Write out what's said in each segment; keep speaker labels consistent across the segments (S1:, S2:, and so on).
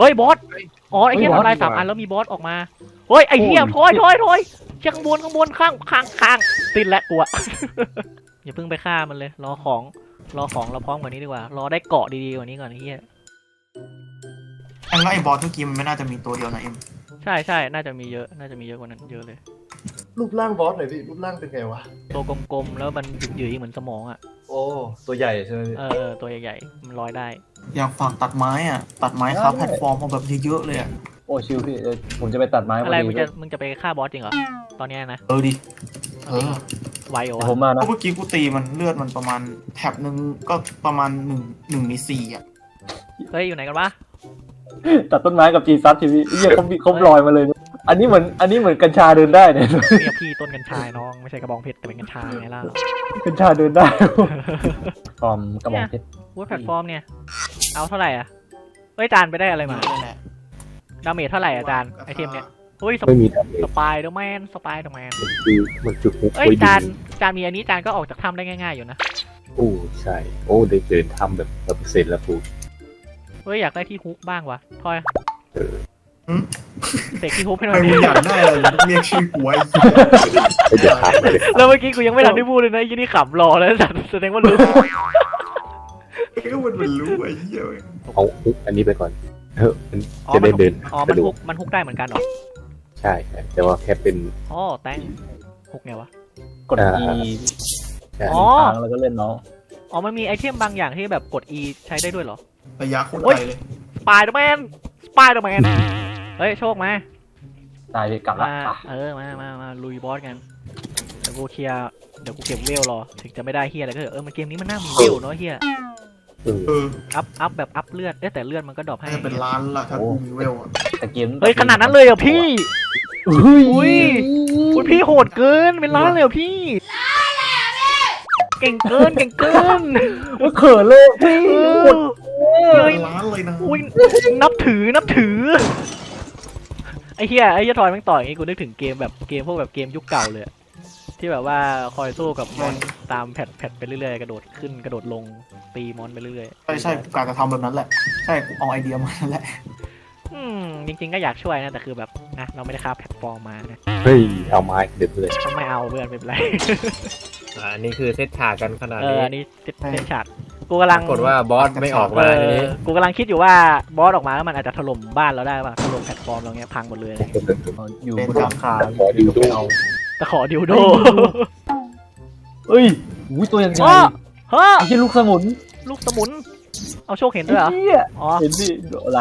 S1: เฮ้ยบอสอ๋อไอ้เหี้ยทำลาย3 อันแล้วมีบอสออกมาเฮ้ยไอ้เหี้ยถอยเชี่ยข้างบนข้างติดแล้วกูอะ อย่าเพิ่งไปฆ่ามันเลยรอของเราพร้อมกว่านี้ดีกว่ารอได้เกาะดีๆกว่านี้ก่อนไอ้เหี้ย
S2: อันแล้วไอ้บอสเมื่อกี้มันไม่น่าจะมีตัวเดียวนะเอ็ม
S1: ใช่น่าจะมีเยอะกว่านั้นเยอะเลย
S3: รูปร่างบอสหน่อยพี่รูปร่างเป็นไงวะ
S1: ตัวกลมๆแล้วมันหยืดๆเหมือนสมองอ่ะ
S3: โอ้ตัวใหญ่ใช่ไหมพี่
S1: ตัวใหญ่ๆมันลอยได้
S2: อยากฝากตัดไม้อ่ะตัดไม้ครับแพลตฟอร์มมาแบบเยอะๆเลยอ่ะ
S3: โอ้ชิวพี่ผมจะไปตัดไม้
S1: อะไร
S3: พอดี
S1: มึงจะไปฆ่าบอสจริงเหรอตอนเนี้ยนะ
S2: ดิ
S1: ไวเหรอ
S3: เดี๋ยว
S1: วะ
S3: ผมมา
S2: เพ
S3: นะ
S2: ราะเมื่อกี้กูตีมันเลือดมันประมาณแถบหนึ่งก็ประมาณ1 ใน 4อ่ะ
S1: เฮ้ยอยู่ไหนกันวะ
S3: ตัดต้นไม้กับจีซัสทีพี่เหี้ยเขาลอยมาเลยนะอันนี้เหมือนกัญชาเดินได้เนี่ย
S1: เนี่ยพี่ต้นกัญชาน้องไม่ใช่กระบองเพชรแต่เป็นกัญชาไงล่ะ
S3: กัญชาเดินได้ฟอร์มกระบอกเพชร
S1: วูดแพลตฟอร์มเนี่ยเอาเท่าไหร่อ่ะเฮ้ยจานไปได้อะไรมา
S2: นั่นแหละ
S1: ดาเมจเท่าไหร่อ่ะจานไอเทมเนี่ยเฮ้ย
S4: ไม่มีดาเมจ
S1: สปายเดอร์แมน
S4: คือมันจุดฮุก
S1: เอ้ย
S4: ไว้ดี
S1: จานมีอันนี้จานก็ออกจากถ้ำได้ง่ายๆอยู่นะ
S4: โอ้ใช่โอ้ได้เดินทำแบบเสร็จแล้วปู
S1: เฮ้ยอยากได้ที่ฮุกบ้างวะทอย
S4: เออ
S1: เสกที่ฮุกให้หน่
S2: ไอ้
S1: อยดิ
S2: มึงอยากได้อะไรเรียกชื่อกูไว้
S4: ไม่เดี๋ยวทำเลย
S1: แล้วเมื่อกี้กูยังไม่ทันได้พูดเลยนะยี่นี่ขำรอแล้วสัตว์แสดงว่ารู้
S2: ก็มันรู้ไอ้เหี้ย
S4: เอาฮุกอันนี้ไปก่อนมัน
S1: อ๋อ
S4: จะ
S1: มั
S4: ได้
S1: นฮุ
S4: เดิ
S1: ก
S4: น
S1: อ๋อ
S4: สะดวก
S1: มันฮุกได้เหมือนกันเหรอ
S4: ใช่แต่ว่าแค่เป็น
S1: อ๋อแตงฮุกไงวะ
S3: กด E
S4: ใช่
S1: อ๋อ
S3: ทางแล้วก็เล่นเนาะ
S1: อ๋อมันมีไอเทมบางอย่างที่แบบกด E ใช้ได้ด้วยเหรอ
S2: ระยะโคตรไกลเลย
S1: สปายเดอร์แมนเฮ้ยโชคมา
S3: ตายไปกลับละ
S1: มาลุยบอสกันเดี๋ยวกูเคลียร์เดี๋ยวกูเก็บเวลรอถึงจะไม่ได้เฮียอะไรก็เถอะมันเกมนี้มันน่ามีเวลเนาะเฮีย
S4: เออ
S1: อัพแบบอัพเลือดแต่เลือดมันก็ดรอปให้
S2: น่าจะเป็นล้านละถ้ากูมีเวลอ่ะ
S3: แต่เกม
S1: เฮ้ยขนาดนั้นเลยเหรอพี่
S3: อุ้ย
S1: อุ้ยพี่โหดเกินเป็นล้านเลยเหรอพี่ เก่งเกิน
S3: ว่าเขินเลยพี่
S1: เอ
S3: หมด
S2: เป็นล้านเลยนะ
S1: อุ้ยนับถือไอ้เหี้ยทอยแม่งต่อยอย่างงี้กูนึกถึงเกมแบบเกมพวกแบบเกมยุคเก่าเลยอะที่แบบว่าคอยสู้กับมอนตามแพทไปเรื่อยๆกระโดดขึ้นกระโดดลงตีมอนไปเรื่อย
S2: ใช่กูกะจะทำแบบนั้นแหละใช่กูเอาไอเดียมาแหละ
S1: จริงๆก็อยากช่วยนะแต่คือแบบนะเราไม่ได้ค่าแพลตฟอร์มมานะ
S4: เฮ้ยเอาไม้เด็ดเลย
S1: ไม่เอาเพื่อนไม่เป็นไร
S5: อันนี้คือเซตฉากกันขนาด
S1: อั
S5: นี้
S1: นนี้เล่นฉากกูกำลัง
S5: ปรากฏว่าบอสไม่ออกมาทีนี้
S1: กูกำลังคิดอยู่ว่าบอสออกมาแล้วมันอาจจะถล่มบ้านเราได้ป่ะถล่มแพลตฟอร์มเราเงี้ยพังหมดเลย
S3: อยู่บนหลังคา
S4: ขอดิวดู
S3: เอา
S1: แต่ขอดิวโด
S3: เอ้ยอุ้ยตัวยังไง
S1: เฮ้อ
S3: ไอ้ที่ลูกสมุน
S1: ลูกสมุนเอาโชคเห็นด้วยเหรอ
S3: เหี้ย
S1: อ๋อ
S3: เห็นดิอะไร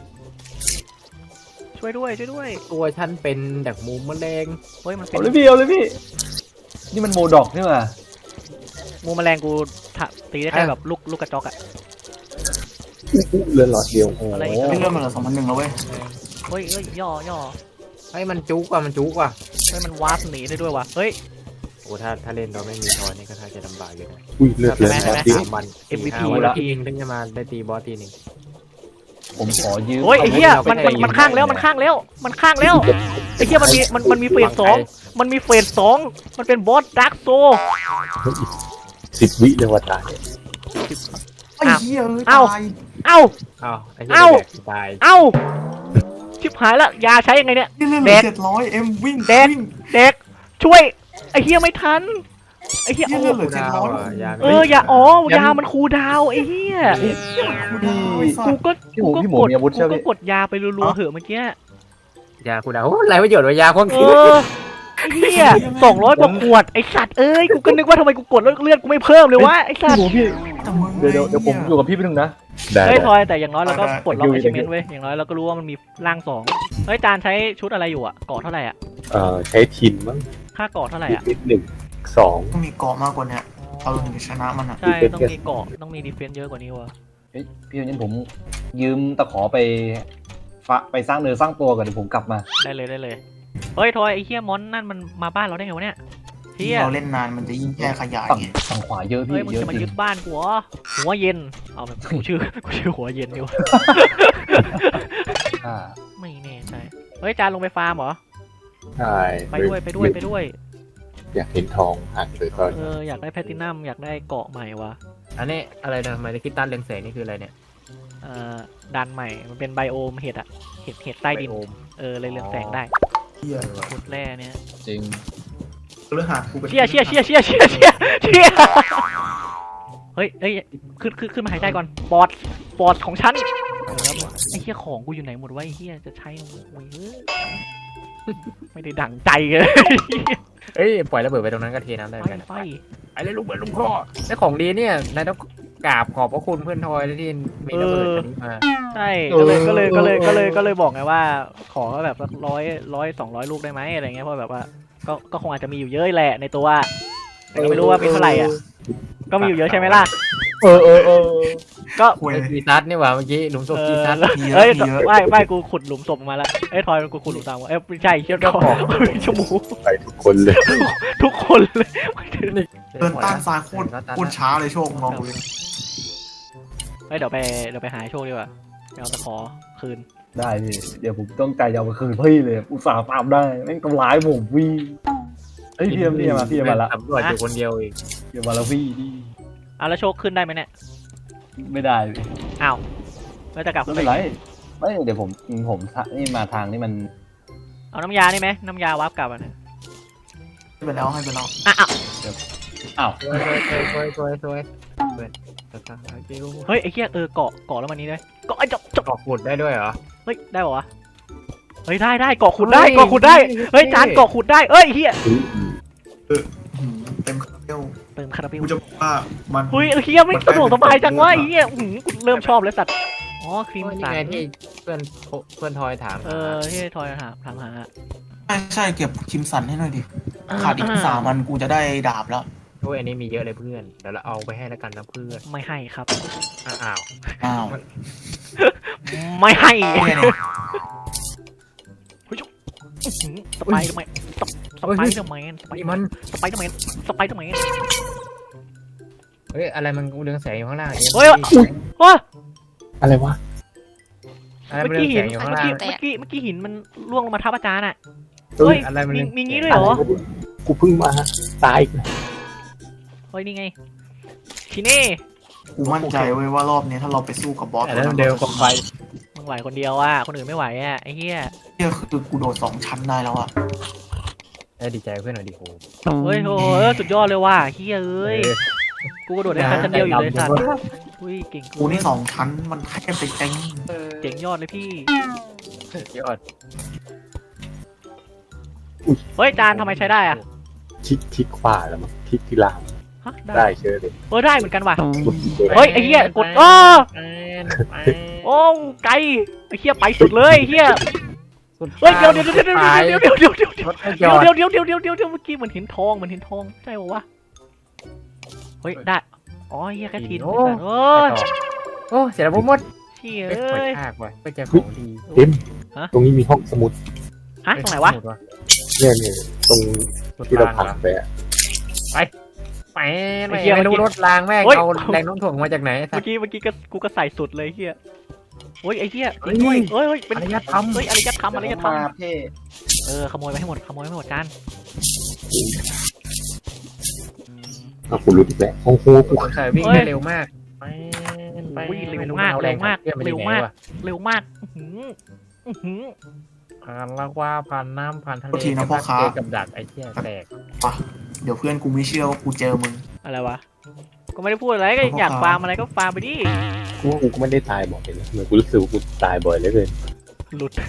S1: ช่วยด้วย
S5: ตัวฉันเป็นดักมุมแมลง
S1: เฮ้ยมันเป็
S3: เอา
S1: น
S3: เลยพี่นี่มันโมดอกนี่หว่า
S1: งูแมลงกูตีได้แค่แบบลูกกระจอกอะ
S4: เลื่อนหลอดเดียวโอ้
S1: อะไร
S4: โห
S1: อีก
S2: เรื่องมันเหลือ2,100แล้วเว้ย
S1: เฮ้ยย่อ
S5: เฮ้ยมันจุกว่ะ
S1: เฮ้ยมันวาร์ปหนีได้ด้วยว่ะเฮ้ย
S5: โอ้ถ้าเล่นเราไม่มีทอยนี่ก็ท่าจะลำบากอยู่นะ
S4: อุ้ยเลือดเลือด
S1: ใช่ไหม
S4: ที่
S5: 3 วัน
S1: MVP
S5: 4-5วัน
S1: แล้ว
S5: ทีนึงถึงจะมาได้ตีบอสทีหนึง
S3: ผมขอยืม
S1: โอ้ยไอ้เหี้ย
S5: เอาไม่
S1: มัน
S5: ได้
S1: ข้างแล้วมันข้างแล้วไอ้เหี้ยมันมีเฟส 2มันมีเฟส 2มันเป็นบอสดาร์กโซ
S4: 10 วิเลยว่าตาย
S2: ไอ้เหี้ย
S1: เอ้า
S2: ตาย
S1: เอ้า
S5: อ้าวไอ้
S1: เอ้า
S5: เหี้ยตาย
S1: เอ้าชิบหายละยาใช้ยังไงเนี่ย
S2: นี่เรื่อง
S1: แดก
S2: 700เอ็มวิ่ง
S1: แดก
S2: วิ่ง
S1: เด็กช่วยไอ้เหี้ยไม่ทันไอ้เหี้ย
S2: นี่
S1: โอ้
S2: เรื่องเหลือ
S5: ดาวอ่ะ
S2: 700
S5: ยา
S1: ยายามันคูลดาวน์ไอ้เหี้ย
S2: กูดาวไอ้สั
S1: กู
S2: ตว์
S1: ก็
S3: พี่หมูมีอาวุธใช่ไหม
S1: กดยาไปรัวๆเหอะเมื่อกี้
S5: ยาคุณดาวโอ้ไรประโยชน์วะยาควง
S1: เอ
S5: คืน
S1: อไอ้เหี้ย200 กว่าขวดไอ้สัตว์เอ้ยกูก็นึกว่าทำไมกูกดแล้วเลือดกูไม่เพิ่มเลยวะไอ้สัตว์
S3: พี่หมูพี่
S2: แต่มึง
S3: เดี๋ยวผมอยู่กับพี่ไปหนึ่งนะ
S4: ได้
S1: เฮ้ยทอยแต่อย่างน้อยเราก็ปลดล็อก
S3: ได้
S1: ไอชิเมนต์เว้ยอย่างน้อยเราก็รู้ว่ามันมีร่าง2เฮ้ยจานใช้ชุดอะไรอยู่อะเกาะเท่าไหร่อะ
S4: ใช้ทินมั้ง
S1: ค่าเกาะเท่าไหร่อะ
S4: นิดหนึ่งสอง
S2: ต้องมีเกาะมากกว่าเนี้ยเราถึงจะชนะมันอ่ะ
S1: ใช่ต้องมีเกาะต้องมีดีเฟนซ์เยอะกว่านี้วะ
S3: เฮ้ยพี่งั้นผมยืมตะขอไปสร้างเนื้อสร้างตัวก่อนเดี๋ยวผมกลับมา
S1: ได้เลยเฮ้ยทอยไอ้เหี้ยมอนนั่นมันมาบ้านเราได้ไงวะเนี่ยเหี้
S2: ที่
S1: ย
S2: เราเล่นนานมันจะยิ่งแพร่ขยาย
S3: ฝั่ง
S2: ไง
S3: ฝั่งขวาเยอะพี่
S1: เฮ้ยมึง
S3: เยอะ
S1: จะมา
S3: จริ
S1: ยึ
S3: ง
S1: ดบ้านกูเหรอหัวเย็นเอาแบบกูชื่อหัวเย็นดิวะ
S3: อ่า
S1: ไม่แน่ใจเฮ้ยจานลงไปฟาร์มเหรอ
S4: ใช่
S1: ไปด้วย
S4: อยากเห็นทองอ่ะเลยก็
S1: อยากได้แพลตินัมอยากได้เกาะใหม่วะ
S5: อันนี้อะไรนะไมค์คิดตันเรืองแสงนี่คืออะไรเนี่ย
S1: ดันใหม่มันเป็นไบโอมเห็ดอะเห็ดใต้ดิน
S5: ไบโอม
S1: เลยเรืองแสงได้
S2: เหี้ย
S1: ขุดแร่เนี่ย
S4: จริง
S2: เรื่องหากูเป็น
S1: เชี่ยเฮ้ยขึ้นมาหายใจก่อนปอดของฉันไอ้เหี้ยของกูอยู่ไหนหมดวะไอ้เหี้ยจะใช้โอ้ยไม่ได้ดั่งใจเลย
S5: เอ้ยปล่อยระเบิดไปตรงนั้นก็เทน้ำได้เหมือนกัน
S1: ไฟ
S5: ไอ้เลยลูกเบิดลูกพ่อได้ของดีเนี่ยนายต้องกราบขอบพระคุณเพื่อนทอยที่มีระเบิดอันนี้มา
S1: ใช่ก็เลยบอกไงว่าขอแบบสัก100 200 ลูกได้ไหมอะไรเงี้ยเพราะแบบว่าก็คงอาจจะมีอยู่เยอะแหละในตัวแต่ก็ไม่รู้ว่าเป็นเท่าไหร่อ่ะก็มีอยู่เยอะใช่ไหมล่ะก็
S2: คุย
S5: กีซัดนี่หว่าเมื่อกี้หลุมศพกีซัด
S2: เยอะ
S1: เอ้ย
S2: เยอะ
S1: ไม่กูขุดหลุมศพมาแล้วเอ้ยทอยกูขุดหลุมตามวะเอ้ยไม่ใช่เชี่ยทอยชมู
S4: ไปทุกคนเลย
S1: ทุกคนเลย
S2: เดินต้านซ้ายโคตรช้าเลยโชคลองดูเลย
S1: เฮ้ยเดี๋ยวไปหาโชคดีกว่าไปเอาตะขอคืน
S3: ได้พี่เดี๋ยวผมต้องใจเอาไปคืนพี่เลยอุตส่าห์ตามได้แม่งทำร้ายผมพี่เฮ้ยพี่มาละ
S5: ตำรวจอยู่คนเดียวเอง
S3: เดี๋ยวมาแล้วพี่นี่
S1: เอาแล้วโชคขึ้นได้ไหมเนี่ย
S3: ไม่ได้พี่
S1: อ้าวแล้วจะกลับ
S3: ไม่เป็นไรไม่เดี๋ยวผมนี่มาทางนี่มัน
S1: เอาน้ำยานี่ไหมน้ำยาวาร์ปกลับอ่ะเนี่ย
S2: ให้ไปแล้วให้ไปแล้ว
S3: อ้าว
S5: สวยเปิดตะกิ้ว
S1: เฮ้ยไอ้เหี้ยเกาะแล้วมันนี้ได้เกาะไอ้จบ
S5: กอกขุดได้ด้วยเหรอ
S1: เฮ้ยได้ป่าวะเฮ้ยได้เกาะขุดได้เฮ้ยจานเกาะขุดได้เอ้ยเฮีย
S2: เต็มคาราเบล
S1: เติมคาราเบล
S2: กูจะบอกว่ามัน
S1: เฮ้ยเฮียไม่สะดวกสบายจังวะไอ้เฮียกูเริ่มชอบเลยสัตว์อ๋อครีม
S5: นี่
S1: สัน
S5: ไงที่เพื่อนทอยถาม
S1: ที่ทอยถามหา
S2: ใช่เก็บคิมสันให้หน่อยดิขาดอีก3 วันกูจะได้ดาบแล้ว
S5: โอ้ยอันนี้มีเยอะเลยเพื่อนเดี๋ยวเราเอาไปให้แล้วกันนะเพื่อน
S1: ไม่ให้ครับ
S5: อ้าว
S2: อ้าว
S1: ไม่ให้
S2: เนี่ยเนี่ย
S1: สไปเดอร์แมนสไปเดอร์แมน
S5: นี่มัน
S1: สไปเดอร์แมน
S5: เฮ้ยอะไรมันเรืองแสงอยู่ข้างล่าง
S1: เฮ้ยว้า
S4: อะไรวะ
S5: อะไร
S1: เมื่
S5: มัน
S1: อ
S5: เรื
S1: กี้
S5: อง
S1: หิ
S5: แส
S1: น
S5: งอยู่ข้างล่าง
S1: เมื่อกี้หินมันล่วงลงมาทับอาจารย์อ่ะ
S5: เฮ้ยอะไรมัน
S1: มีงี้ด้วยเหรอ
S4: กูเพิ่งมาตายอีก
S1: เฮ้ยนี่ไงชิเน่
S2: กูมั่นใจเว้ยว่ารอบนี้ถ้าเราไปสู้กับบอส
S5: แต่แล้วเร็วกว่าไฟ
S1: มึงไหวคนเดียวอ่ะคนอื่นไม่ไหวอ่ะไอ้เหี้ย
S2: เนี่ยคือกูโดด2 ชั้นได้แล้วอะ
S5: ดีใจเพื่อนหน่อยดิโห
S1: เฮ้ยโหสุดยอดเลยว่ะเหี้ยเอ้ยกูกระโดดได้ชั้นเดียวอยู่เลยสัตว์อุ้ยเก่ง
S2: กูนี่2 ชั้นมันแค่ไปเต็ง
S1: เจ๋งยอดเลยพี่
S5: ยอด
S1: เฮ้ยจานทำไมใช้ได้อ่ะ
S4: ทิกขวาแล้วมั้งทิกที่ลาม
S1: ฮะ
S4: ได้เชื่อเลย
S1: ได้เหมือนกันว่ะ
S4: กดเลย
S1: เฮ้ยไอ้เหี้ยกดโอ้ไกลไอ้เหี้ยไปสุดเลยไอ้เหี้ยเฮ้ยเดี๋ยวเมื่อกี้เหมือนเห็นทองใช่ปะวะเฮ้ยได้อ๋อเหี้ยแค่ทีนโอ้
S5: เสียแล้วหมด
S1: เชี่ย
S5: เอ้
S1: เอ้ย
S5: ยากว่ะไปเจอของดี
S4: เต็มตรงนี้มีห้องสมุด
S1: ฮะตรงไหนวะ
S4: เนี่ยตรงที่เราผ่านไปอะ
S5: ไม่รู้รถรางแม่งเอาแรงโน้มถ่วงมาจากไหน
S1: เมื่อกี้กูก็ใส่สุดเลยเฮียโอ้ยไอ้เฮีย
S5: เฮ้ย
S1: เฮ้ยเป็น
S5: อารยธรรม
S1: เฮ้ยอารยธรรม
S3: มาเพ่
S1: ขโมยไปให้หมดจาน
S4: กูรู้อีกแล้วโอ้โหกู
S5: ใส่วิ่งได้เร็วมาก
S1: เร็วมากเร็วมาก
S5: แล้วว่าผ่านน้ำผ่านทะเลกับดักไอ้เหี้ยแตก
S2: เดี๋ยวเพื่อนกูไม่เชื่อว่ากูเจอมึง
S1: อะไรวะก็ไม่ได้พูดอะไรก็อยากฟาร์มอะไรก็ฟาร์มไปดิ
S4: กูก็ไม่ได้ตายบ่อยนะเหมือนกูรู้สึกว่ากูตายบ่อยเหลย
S1: หลุด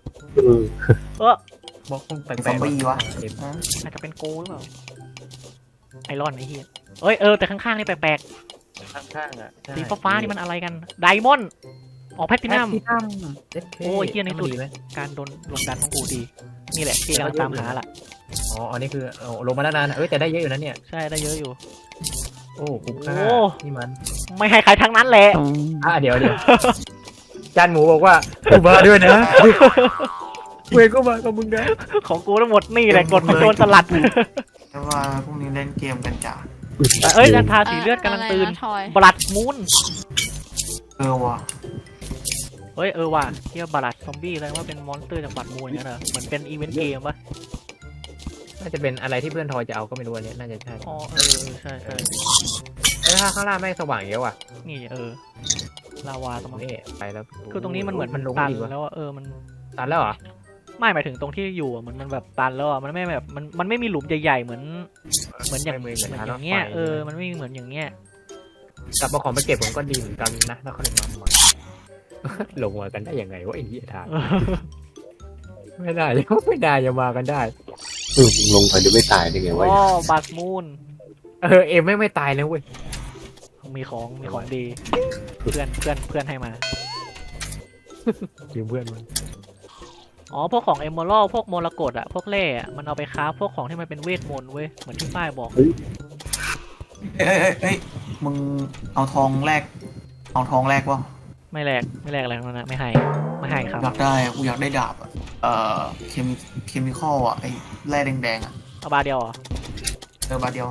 S5: บอกคงแปล
S2: ซอม
S5: ก
S2: บี้วะ
S1: อาจจะเป็นโกหรือเปล่าไอรอนไอ้เฮียแต่ข้างๆนี่แปลก
S5: ข้างๆอ่ะ
S1: ๆสีฟ้าๆนี่มันอะไรกันไดมอนด์ออกแพทตินัม โอ้ยเหี้ยในสุด การโดนลงดันของกูดีนี่แหละที่กำลังตามหาล่ะ
S5: อ๋ออันนี้คือลงมาแล้วนานแต่ได้เยอะอยู่นะเนี่ย
S1: ใช่ได้เยอะอยู่
S5: โอ้คุ้มค่านี่มัน
S1: ไม่ให้ใครทั้งนั้นแหละ
S5: เดี๋ยวจานหมูบอกว่ากูมาด้วยนะเวก็มากับมึงนะ
S1: ของกูทั้งหมดนี่แหละกดโดนสลัด
S2: แต่ว่าพรุ่งนี้เล่นเกมกันจ้ะ
S1: จันทาสีเลือดกำลังตื่น
S6: ทอย
S1: บลัดมูน
S2: ว่ะ
S1: ว่ะเที่ยวบลัดซอมบี้เลยว่าเป็นมอนสเตอร์จากบลัดมูนอย่างนั้นเหรอเหมือนเป็นอีเวนต์เกมปะ
S5: น่าจะเป็นอะไรที่เพื่อนทอยจะเอาก็ไม่รู้อันนี้น่าจะใช่
S1: อ๋อใช่
S5: ถ้าข้างล่างแม่งสว่างเยอะว่ะ
S1: นี่ลาวาตรงนี้
S5: นี่ไปแล้ว
S1: คือตรงนี้มันเหมือน
S5: มันลง
S1: ตัน
S5: อีกวะ
S1: แล้วอะมัน
S5: ตันแล้วเหรอ
S1: ไม่หมายถึงตรงที่อยู่อะมันแบบตันแล้วอะมันไม่แบบมันไม่มีหลุมใหญ่ๆเหมือนอย่าง
S5: ไม่
S1: เหมือน
S5: เหมือน
S1: อย่างเงี้ย
S5: ทางรถไฟ
S1: มันไม่เหมือนอย่างเงี้ย
S5: กลับมาของไปเก็บผมก็ดีเหมือนกันนะแล้วเขาเลยมาใหม่ ลงมากันได้ยังไงวะไอ้เหี้ยทางไม่ได้ไม่ได้จะมากันได้
S4: ลงไปจะไม่ตายได้ไงวะ
S1: อ๋อบาสมูน
S5: เอ็มไม่ตายเลยเว้ย
S1: มีของดี เพื่อนให้มา
S5: ยืมเพื่อนมัน
S1: อ๋อพวกของเอมเมอรัลพวกมรกตอะพวกแร่อะมันเอาไปค้าฟพวกของที่มันเป็นเวทมนต์เว้ยเหมือนที่ป้ายบอก
S2: เอ้ยมึงเอาทองแลกวะ
S1: ไม่แลกอะไรทั้งนั้นนะไม่ให้ครับ
S2: อยากได้กูอยากได้ดาบอะเคมีคอลอะไอ้แร่แดงๆอะ
S1: เอาบาร์เดียวเหรอ
S2: บาทเดียว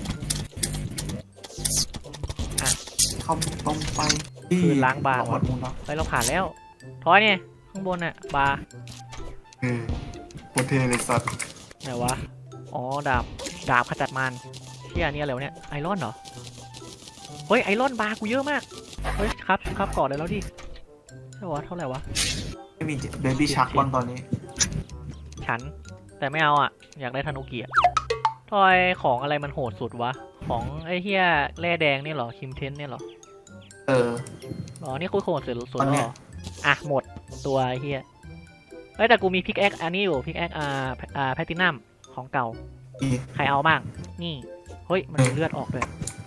S1: อ่ะ
S2: เข้าตรงไปที่
S1: คืนล้างบาง
S2: หมดมูลแล้ว
S1: ไปเราผ่านแล้วทอยเนี่ยข้างบนอะบาร์
S2: โคตรเท่เลยสัตว์
S1: ไหนวะอ๋อดาบขจัดมารเชี่ยนี่อะไรวะเนี่ยไอรอนเหรอเฮ้ยไอรอนบาร์กูเยอะมากเฮ้ยครับก่อนเลยแล้วดิใช่วะเท่าไหร่วะ
S2: ไม่มีเบบี้ชักบ้างตอนนี้
S1: ฉันแต่ไม่เอาอ่ะอยากได้ธนุกิอ่ะทอยของอะไรมันโหดสุดวะของไอ้เฮียแร่แดงนี่เหรอคิมเทนเนี่ยเหรอ อ๋อนี่คุยโหดสุด
S2: ตอน
S1: แล้ว
S2: เนี้
S1: เห
S2: ย
S1: รออ่ะหมดตัวไอ้เฮียเอ้ยแต่กูมีพิกแอคอันนี้อยู่พิกแอคแพตตินัมของเก่า
S2: อี
S1: ใครเอาบ้างนี่เฮ้ยมันมีเลือดออกด้วย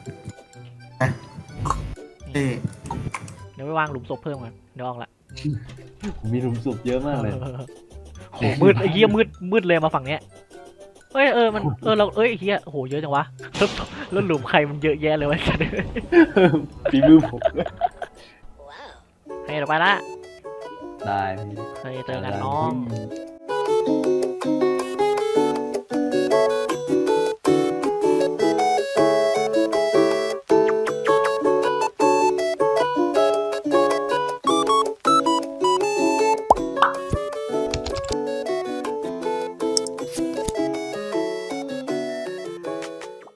S2: เท่
S1: เดี๋ยวไปวางหลุมศพเพิ่มกันเดี๋ยวออกละ
S3: มีหลุมศพเยอะมากเลย
S1: โหมืดไอ้เหี้ยมืดเลยมาฝั่งเนี้ยเฮ้ยมันเราไอ้เหี้ยโหเยอะจังวะแล้วหลุมใครมันเยอะแยะเลยวะ
S3: ฝีมือผม
S1: ให้เราไปละ
S3: ได้
S1: เฮ้ยเจอกันน้อง
S3: ง